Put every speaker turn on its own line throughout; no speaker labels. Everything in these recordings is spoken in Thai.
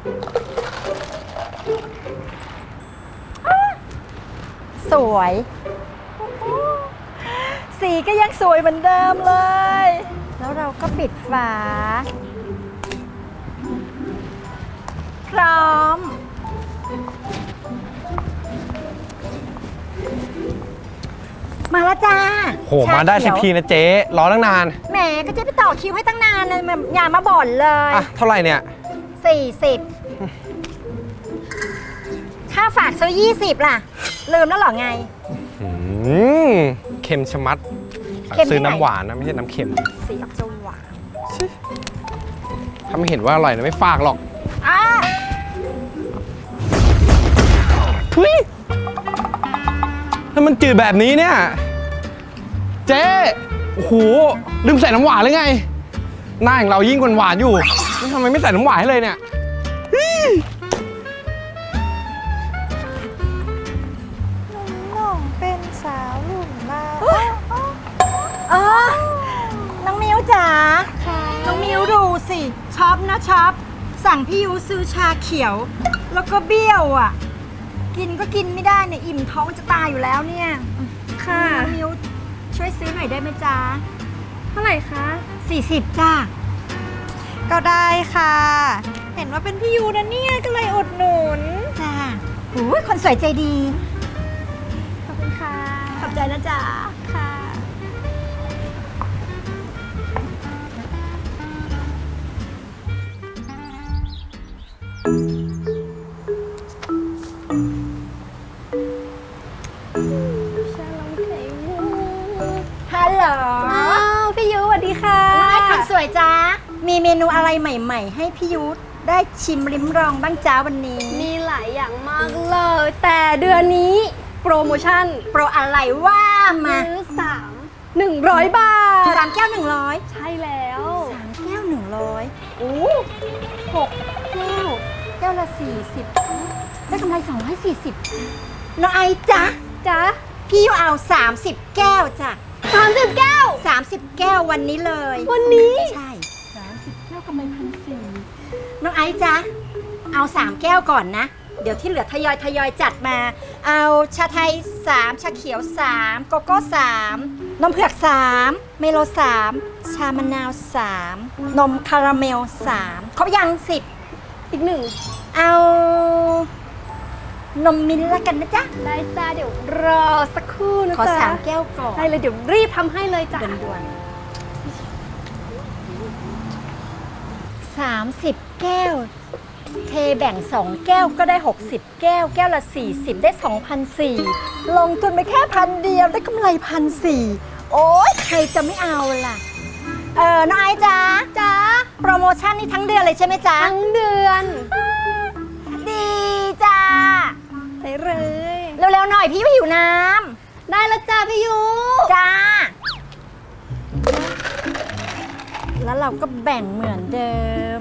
สวยสีก็ยังสวยเหมือนเดิมเลยแล้วเราก็ปิดฝาพร้อมมาแล้วจ้า
โหมาได้สักทีนะเจ๊รอตั้งนาน
แหมก็เจ๊ไปต่อคิวให้ตั้งนานเลยอย่ามาบ่นเลย
อ่ะเท่าไหร่เนี่ย
40ค่าฝากซื้อ20ล่ะลืมแล้วเหรอไง
เค็มชะมัดซื้อน้ำหวานนะไม่ใช่น้ำเค็ม
สีออกจะหวาน
ถ้าไม่เห็นว่าอร่อยนะไม่ฝากหรอกเฮ้ยถ้ามันจืดแบบนี้เนี่ยเจ๊โอ้โหลืมใส่น้ำหวานหรือไงหน้าอย่างเรายิ่งหวานอยู่ทำไมไม่ใส่น้ำหวานให้เลยเนี่ย
น้องเป็นสาวรุ่นมากน้องมิวจ๋าน้องมิวดูสิช็อปนะช็อปสั่งพี่ยูซื้อชาเขียวแล้วก็เบี้ยวอ่ะกินก็กินไม่ได้เนี่ยอิ่มท้องจะตายอยู่แล้วเนี่ยค่ะน้องมิวช่วยซื้อหน่อยได้ไหมจ๊ะ
เท่าไหร่คะ
40จ้า
ก็ได้ค่ะเห็นว่าเป็นพี่ยูนะเนี่ยก็เลยอุดหนุน
จ้าหูยคนสวยใจดี
ขอบคุณค่ะ
ขอบใจนะจ๊ะ
ค่ะ
ฮัลโหล
พี่ยูสวัสดีค่ะ
คนสวยจ้ามีเมนูอะไรใหม่ๆให้พี่ยูได้ชิมลิ้มลองบ้างจ้าวันนี้
มีหลายอย่างมากเลยแต่เดือนนี้โปรโมชั่น
โปรอะไรว่ามา
ซื้อ100 บาท
3 แก้ว100
ใช่แล้ว
3 แก้ว100โอ้6 แก้วแก้วละ40ได้กำไร240น้องไอจ๊ะพี่ยูเอา30 แก้วจ้ะ
30 แก้ว
30 แก้ววันนี้เลย
วันนี้
ใช่30 แก้วกำไร1,400น้องไอจ๊ะเอา3 แก้วก่อนนะเดี๋ยวที่เหลือทยอยจัดมาเอาชาไทย3ชาเขียว3โกโก้3นมเผือก3เมโล3ชามะนาว3นมคาราเมล3ครบยัง10
อีก1
เอานมมิ้นท์ละกันนะจ๊ะ
ได้จ้าเดี๋ยวรอสักครู่นะจ๊ะ
ขอ3 แก้วก่อน
ได้เลยเดี๋ยวรีบทำให้เลยจ้ะ
ด่วนๆ30 แก้วเทแบ่ง2 แก้วก็ได้60 แก้วแก้วละ40ได้ 2,400 ลงทุนไปแค่1,000 เดียวได้กำไร1,400โอ๊ยใครจะไม่เอาล่ะน้องไอจ๊ะโปรโมชั่นนี้ทั้งเดือนเลยใช่ไหมจ๊ะ
ทั้งเดือน
ดีจ้า
ไปเลย
เร็วๆหน่อยพี่หิวน้
ำได้แล้วจ้าพี่ยู
จ้าแล้วเราก็แบ่งเหมือนเดิม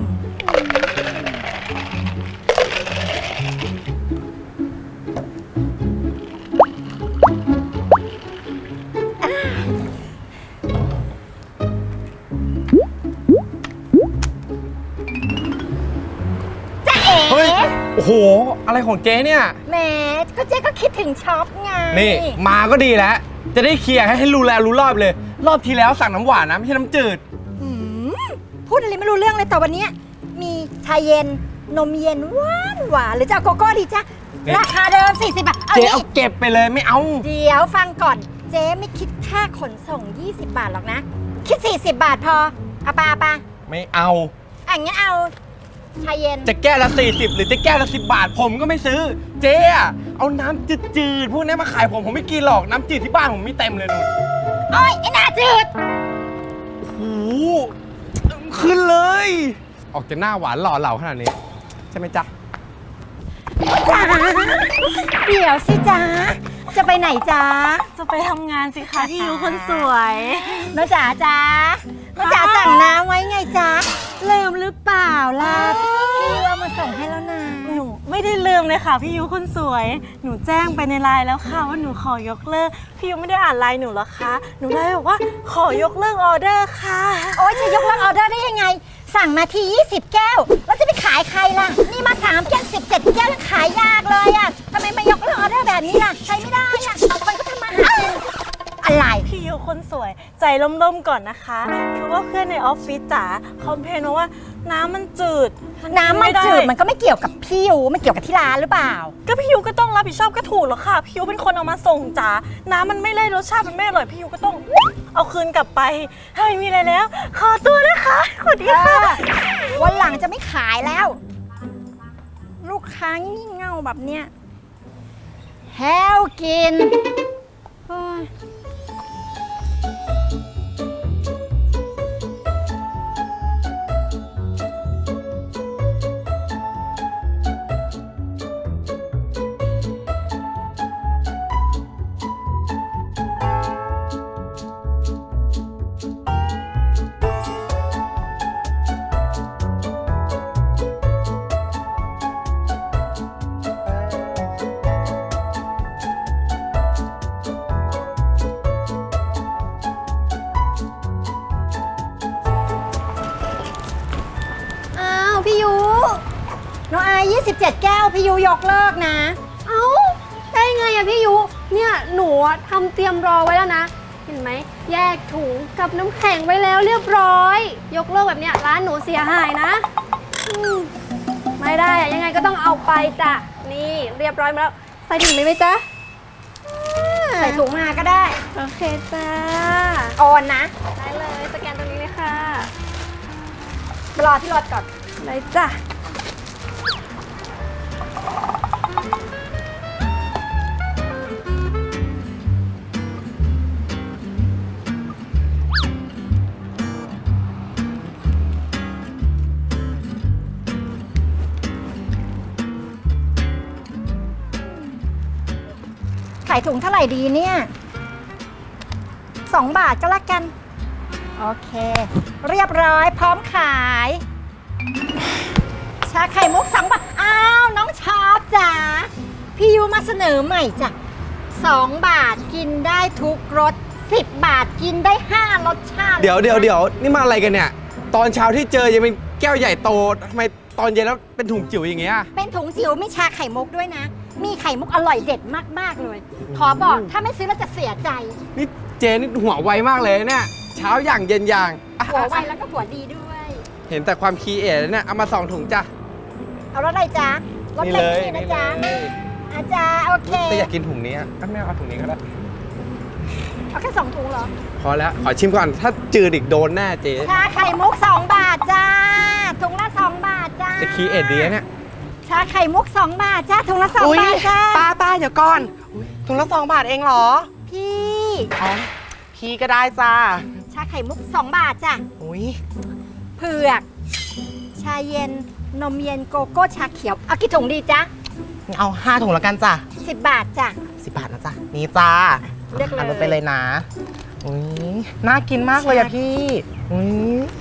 เฮ้ยโอ้โหอะไรของเจ๊เนี่ย
แหมก็เจ๊ก็คิดถึงช็อปไง
นี่มาก็ดีแล้วจะได้เคลียร์ให้รู้แล้วรู้รอบเลยรอบที่แล้วสั่งน้ำหวานนะไม่ใช่น้ำจืด
พูดอะไรไม่รู้เรื่องเลยแต่วันนี้มีชาเย็นนมเย็นหวานหรือจะเอาโกโก้ดีจ๊ะราคาเดิม40 บาท
เจ๊เอาเก็บไปเลยไม่เอา
เดี๋ยวฟังก่อนเจ๊ไม่คิดค่าขนส่ง20 บาทหรอกนะคิด40 บาทพอเอาปะ
ไม่เอา
งั้นเอาชาเย็น
จะแก้วละ40หรือจะแก้วละ10 บาทผมก็ไม่ซื้อเจ๊เอาน้ำจืดๆพวกนี้มาขายผมไม่กินหรอกน้ำจืดที่บ้านผมมีเต็มเลยนู่น
โอ๊ยไอ้หน้าจืด
โอ้โหขึ้นเลยออกจะหน้าหวานหล่อเหลาขนาดนี้ใช่ไหมจ๊ะ
จ๋าเดี๋ยวสิจ๊ะจะไปไหนจ๊ะ
จะไปทำงานสิคะพี่ยูคนสวย
น้องจ๋าสั่งน้ำไว้ไงจ๊ะลืมหรือเปล่าล่ะพี่ยูเอามาส่งให้แล้วนะ
หนูไม่ได้ลืมเลยค่ะพี่ยูคนสวยหนูแจ้งไปในไลน์แล้วค่ะว่าหนูขอยกเลิกพี่ยูไม่ได้อ่านไลน์หนูหรอคะหนูไลน์บอกว่าขอยกเลิกออเดอร์ค่ะ
โอ๊ยจะยกเลิกออเดอร์ได้ยังไงสั่งมาที20 แก้วแล้วจะไปขายใครล่ะนี่มาแก้วยังขายยากเลยอ่ะทำไมมายกเลิกออเดอร์แบบนี้ล่ะใช้ไม่ได้อ่ะคนก็ทำมาหากินอะไร
พี่ยูคนสวยใจร่มๆก่อนนะคะคือว่าเพื่อนในออฟฟิศจ๋าคอมเพลนมาว่าน้ำมันจืด
น้ำมันจืดมันก็ไม่เกี่ยวกับพี่ยูมันเกี่ยวกับที่ร้านหรือเปล่า
ก็พี่ยูก็ต้องรับผิดชอบก็ถูกแล้วค่ะพี่ยูเป็นคนเอามาส่งจ๋าน้ำมันไม่เลยรสชาติมันไม่อร่อยพี่ยูก็ต้องเอาคืนกลับไปถ้าไม่มีอะไรแล้ว ขอตัวนะคะสวัสดีค่ะ
วันหลังจะไม่ขายแล้ว ลูกค้างี่เง่าแบบเนี้ยแฮวกินโอ้ยอ้าวพี่ยูน้องอาย27 แก้วพี่ยูยกเลิกนะ
เอ้าได้ไงอะพี่ยุเนี่ยหนูอะทำเตรียมรอไว้แล้วนะ เห็นไหมแยกถุงกับน้ำแข็งไว้แล้วเรียบร้อย ยกเลิกแบบเนี้ยร้านหนูเสียหายนะไม่ได้อะยังไงก็ต้องเอาไปจ้ะนี่เรียบร้อยมาแล้วใส่ถุงไหมจ๊ะ
ใส่ถุงมาก็ได้
โอเคจ้า
โอนนะ
ได้เลยสแกนตรงนี้เลยค่ะ
รอที่รถก่อน
ได้จ้ะ
ขายถุงเท่าไหร่ดีเนี่ย2 บาทก็แล้วกัน โอเค เรียบร้อยพร้อมขาย ชาไข่มุก2 บาท อ้าว น้องชอบจ๋าพี่ยูมาเสนอใหม่จ้ะ2 บาทกินได้ทุกรส10 บาทกินได้5 รสชาติ
เดี๋ยวนี่มาอะไรกันเนี่ย ตอนเช้าที่เจอยังเป็นแก้วใหญ่โตทำไมตอนเย็นแล้วเป็นถุงจิ๋วอย่างเงี้ย
เป็นถุงจิ๋วมีชาไข่มุกด้วยนะ มีไข่มุกอร่อยเด็ดมากๆเลย ขอบอกถ้าไม่ซื้อแล้วจะเสียใจ
นี่เจนี่หัวไวมากเลยเนี่ย เช้าอย่างเย็นอย่างอ่ะ
หัวไวแล้วก็หัวดีด้วย
เห็นแต่ความคีเอทเนี่ย เอามา2 ถุงจ้ะ
เอารสอะไรจ๊ะรส
นี่
เล็
เล
ก
ย
นี่นะ
นี่
จ๊ะ
เลย
อาจารย์โอเค
แต่อยากกินถุงนี้อ่ะไม่เอาถุงนี้ก็ได้
เอาแค่2 ถุงเหรอ
พอแล้ว ขอชิมก่อน ถ้าจืดอีกโดนแน่เจ๊
ชาไข่มุก2 บาทจ้า ถุงละ2 บาทจ้า
จะคีเอทดีนะเนี่ย
ชาไข่มุก2 บาทจ้า ถุงละ2 บาทจ้า
ป้าเดี๋ยวก่อนถุงละ2 บาทเองเหรอ
พี่
อ๋อ พี่ก็ได้จ้า
ชาไข่มุก2 บาทจ้ะ
อุ้ย
เผือก ชาเย็น นมเย็นโกโก้ชาเขียว เอากี่ถุงดีจ๊ะ
เอา5 ถุงแล้วกันจ้ะ
10 บาทจ้ะ
10 บาทนะจ้ะ นี่จ้า
เลือกเลย
าไปเลยนะ อุ้ยน่ากินมากเลยอะพี่ อุ้ย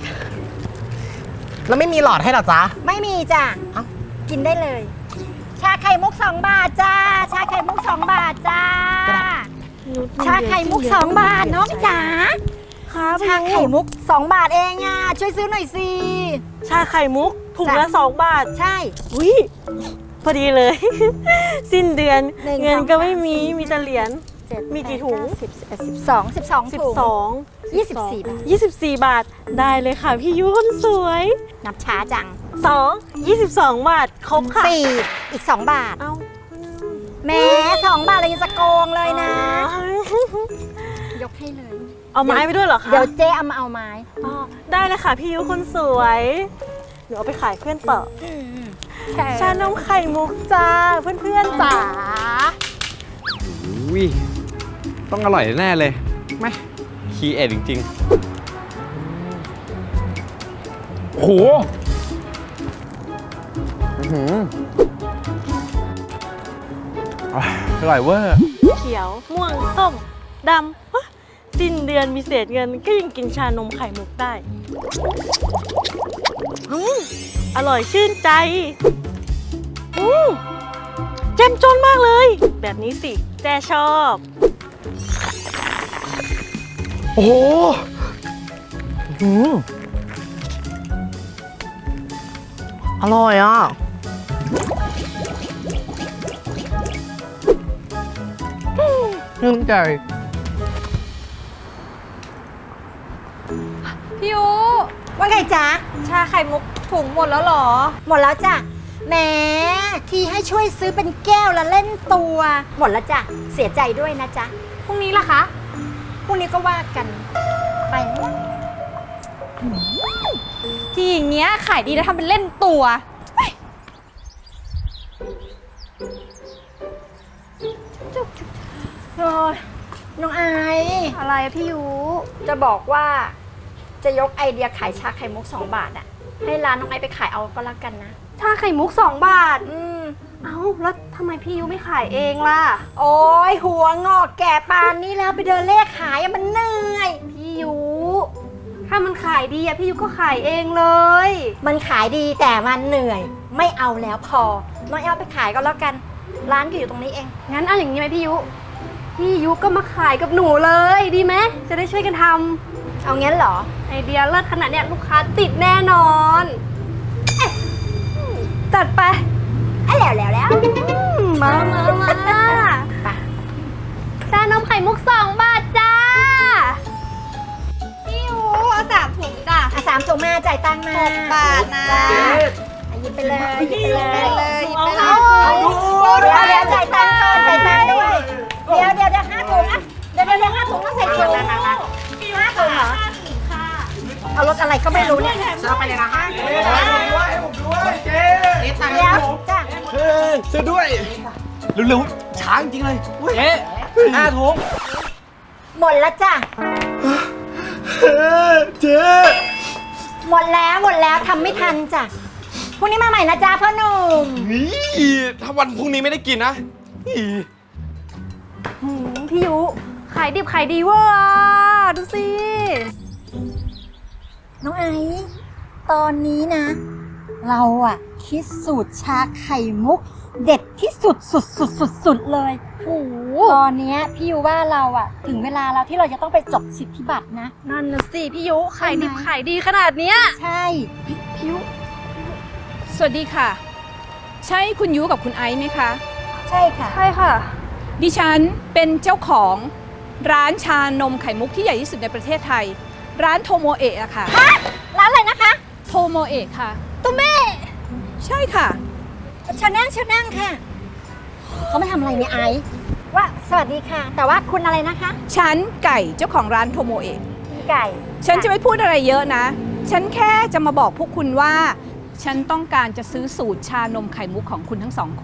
แล้วไม่มีหลอดให้เหรอจ๊ะ
ไม่มีจ้ะ
เอ้า
กินได้เลย ชาไข่มุก2 บาทจ้า ชาไข่มุก2 บาทจ้า ชาไข่มุก2 บาทน้องจ๋า
ครับ
ชาไข่มุก2 บาทเองอ่ะ ช่วยซื้อหน่อยสิ
ชาไข่มุกถุงละ2 บาท
ใช่
อุ้ยพอดีเลย สิ้นเดือน
หนึ่ง
เงิน
สอง
ก็ไม่
สาม
มีมีแต่เหรียญ
7
มีกี่ถุง
12ถุง
12
24 บาท
24 บาทได้เลยค่ะพี่ยุคนสวย
นับช้าจัง
2 22 บาทครบค่ะ
4 อีก 2 บาท
เอา
แหม้2 บาทเลยยังจะโกงเลยนะ ยกให้เลย
เอาไม้ไปด้วยเหรอคะ
เดี๋ยวเจ๊เอามาเอาไม้
อ๋อได้เลยค่ะพี่ยุคนสวยเดี๋ยวเอาไปขายเพื่อนต่อชานมไข่มุกจ้าเพื่อนๆจ๋า
อุ้ยต้องอร่อยแน่เลยไหมคีเอทจริงๆโหอื้อหืออร่อยเวอร์
เขียวม่วงส้มดำฮะสิ้นเดือนมีเศษเงินก็ยังกินชานมไข่มุกได้อร่อยชื่นใจเจ้มจนมากเลย แบบนี้สิแจชอบ
โอ้โหอืมอร่อยอ่ะชื่นใจ
พี่ยุ
ว่าไงจ๊ะ
ชาไข่มุกถุงหมดแล้วเหรอ
หมดแล้วจ้ะแหมที่ให้ช่วยซื้อเป็นแก้วละเล่นตัว หมดแล้วจ้ะเสียใจด้วยนะจ๊ะ
พรุ่งนี้ล่ะคะ
พรุ่งนี้ก็ว่ากันไปนะ
ที่อย่างเงี้ยขายดีแล้วทำเป็นเล่นตัว
โอ้ยน้องไอซ์
อะไรอะพี่ยุ
จะบอกว่าจะยกไอเดียขายชาไข่มุก2 บาทอะให้ร้านน้องไอซ์ไปขายเอาก็แล้วกันนะ
ชาไข่มุก2 บาท
อืม
เอ้าแล้วทำไมพี่ยุไม่ขายเองล่ะ
โอ้ยหัวงอกแก่ปานนี้แล้วไปเดินเลขขายอะมันเหนื่อย
พี่ยุถ้ามันขายดีอะพี่ยุก็ขายเองเลย
มันขายดีแต่มันเหนื่อย ไม่เอาแล้วพอน้องไอซ์เอาไปขายก็แล้วกัน ร้านก็อยู่ตรงนี้เอง
งั้นเอาอย่างนี้ไหมพี่ยุ พี่ยุก็มาขายกับหนูเลยดีไหมจะได้ช่วยกันท
เอางั้นเหรอ
ำไอเดียเลิศขนาดเนี้ยลูกค้าติดแน่นอนเอ๊ะจัดไป
แล้ว
มาไปชานมไข่มุก2 บาทจ้า พี่ยูเอา3 ถุงจ้ะ
อ่ะ3 ถุงมาจ่ายตังค์มา
6 บาทนะ
จ้าอ่ะหยิบไปเลยหยิบไปเลย
หยิบไปเลย
เอาเดี๋ยวจ่ายตังค์ก่อนจ่ายตังค์ด้วยเดี๋ยว5 ถุงอ่ะเดี๋ยว5 ถุงต้องใส่ถุง5 ถุงเหรอเอารถอะไรก็ไม่รู้เนี่ย
ซื้อไปเลยนะฮะ
เดี๋ยวจ้ะ
ซื้อด้วยเร็วๆช้าจริงๆเลยเจ๊5 ถุง
หมดแล้วจ้ะ
เจ๊
หมดแล้วทำไม่ทันจ้ะพรุ่งนี้มาใหม่นะจ๊ะพ่อหนุ่ม
นี่ถ้าวันพรุ่งนี้ไม่ได้กินนะนี่
พี่ยุขายดิบขายดีเวอร์อะดูสิ
น้องไอซ์ตอนนี้นะ เราอะคิดสูตรชาไข่มุก เด็ดที่สุดเลย
โอ้โห
ตอนเนี้ยพี่ยูว่าเราอะถึงเวลาแล้วที่เราจะต้องไปจดสิทธิบัตรนะ
นั่นนะสิพี่ยุขายดิบขายดีขนาดเนี้ย
ใช่
พี่ยุ
สวัสดีค่ะ ใช่คุณยูกับคุณไอซ์ไหมคะ
ใช่ค่ะ
ใช่ค่ะ
ดิฉันเป็นเจ้าของร้านชานมไข่มุกที่ใหญ่ที่สุดในประเทศไทย ร้านโทโมเอะอะค่ะ
ร้านอะไรนะคะ
โทโมเอะค่ะ
ตุ้มแม่
ใช่ค่ะ
เชิญนั่งค่ะ เขาไม่ทำอะไรเนี่ยไอซ์ว่าสวัสดีค่ะ แต่ว่าคุณอะไรนะคะ
ฉันไก่เจ้าของร้านโทโมเอะ
ไก่
ฉันจะไม่พูดอะไรเยอะนะ ฉันแค่จะมาบอกพวกคุณว่า ฉันต้องการจะซื้อสูตรชานมไข่มุกของคุณทั้ง2 คน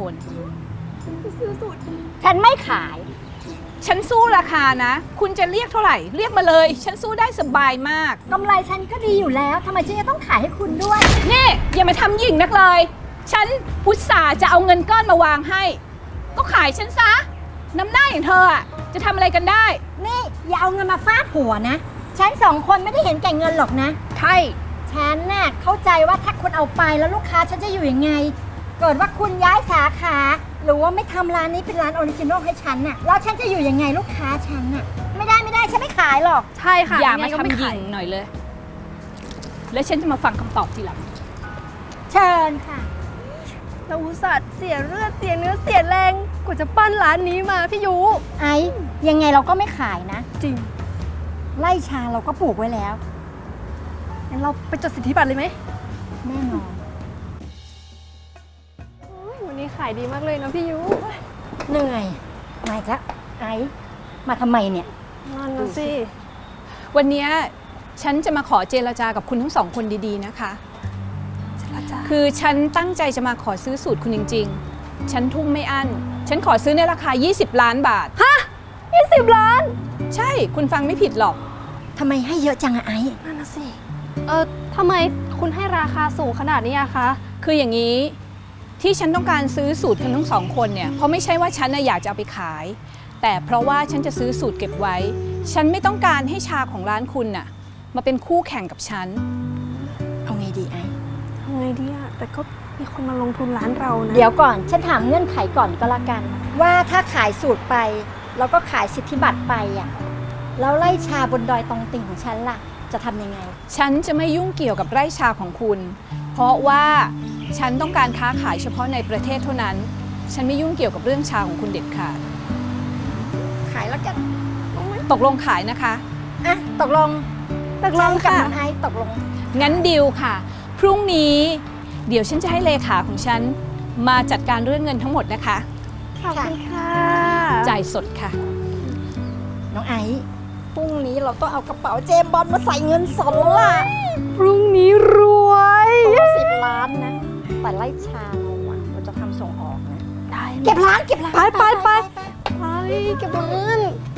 ฉันไม่ขาย
ฉันสู้ราคานะ คุณจะเรียกเท่าไหร่ เรียกมาเลย ฉันสู้ได้สบายมาก
กำไรฉันก็ดีอยู่แล้วทำไมฉันจะต้องขายให้คุณด้วย
นี่อย่ามาทำหยิ่งนักเลย ฉันอุตส่าห์จะเอาเงินก้อนมาวางให้ ก็ขายฉันซะ น้ำหน้าอย่างเธออะจะทำอะไรกันได้
นี่อย่าเอาเงินมาฟาดหัวนะ ฉัน2 คนไม่ได้เห็นแก่เงินหรอกนะ
ใช่
ฉันน่ะเข้าใจว่าถ้าคุณเอาไปแล้วลูกค้าฉันจะอยู่ยังไง เกิดว่าคุณย้ายสาขา หรือว่าไม่ทำร้านนี้เป็นร้านออริจินอลให้ฉันน่ะแล้วฉันจะอยู่ยังไงลูกค้าฉันน่ะไม่ได้ฉันไม่ขายหรอก
ใช่ค่ะ
อย่ามา
ไงก็
ทำ
ไ
หยิ่งหน่อยเลย แล้วฉันจะมาฟังคำตอบทีหลัง
เชิญค่ะ
เราอุตส่าห์เสียเลือดเสียเนื้อเสียแรงกว่าจะปั้นร้านนี้มาพี่ยุ
ไอ้ยังไงเราก็ไม่ขายนะ
จริง
ไล่ชาเราก็ปลูกไว้แล้ว
งั้นเราไปจดสิทธิบัตรเลยไหม
แน่นอน
วันนี้ขายดีมากเลยนะพี่ยุ
เหนื่อยมาอีกแล้วไอ้มาทำไมเนี่ย
นั่นนะสิ
วันเนี้ยฉันจะมาขอเจรจากับคุณทั้ง2 คนดีๆนะคะ คือฉันตั้งใจจะมาขอซื้อสูตรคุณจริงๆ ฉันทุ่มไม่อั้น ฉันขอซื้อในราคา 20 ล้านบาท
20 ล้าน
ใช่ คุณฟังไม่ผิดหรอก
ทำไมให้เยอะจังอะไอ้
นั่นนะสิทำไมคุณให้ราคาสูงขนาดนี้อะคะ
คืออย่างนี้ที่ฉันต้องการซื้อสูตรคุณทั้ง2 คนเนี่ย เพราะไม่ใช่ว่าฉันน่ะอยากจะเอาไปขาย แต่เพราะว่าฉันจะซื้อสูตรเก็บไว้ ฉันไม่ต้องการให้ชาของร้านคุณน่ะมาเป็นคู่แข่งกับฉัน
เอาไงดีไอ้
ทำไงดีอะแต่ก็มีคนมาลงทุนร้านเรานะ
เดี๋ยวก่อนฉันถามเงื่อนไขก่อนก็แล้วกัน ว่าถ้าขายสูตรไป แล้วก็ขายสิทธิบัตรไปอ่ะแล้วไล่ชาบนดอยตองติ่งของฉันล่ะ จะทำยังไง
ฉันจะไม่ยุ่งเกี่ยวกับไร่ชาของคุณ เพราะว่าฉันต้องการค้าขายเฉพาะในประเทศเท่านั้น ฉันไม่ยุ่งเกี่ยวกับเรื่องชาของคุณเด็ดขาด
คขายแล้วกัน
ตกลงขายนะคะ
อ่ะตกลง
ตกลง
กับ
ค่ะ
น้องไอซ์ตกลง
งั้นดีลค่ะ พรุ่งนี้เดี๋ยวฉันจะให้เลขาของฉันมาจัดการเรื่องเงินทั้งหมดนะคะ
ขอบคุณค่ะ
จ่ายสดค่ะ
น้องไอซ์พรุ่งนี้เราต้องเอากระเป๋าเจมส์บอลมาใส่เงินสดแล้วล่ะ
พรุ่งนี้รวย
ตัว10 ล้านนะ แต่ไล่ชาเราอะเราจะทำส่งออกนะ
ได้
เก็บร้านเก็บร้าน
ไป
ไป
เก็บเงิน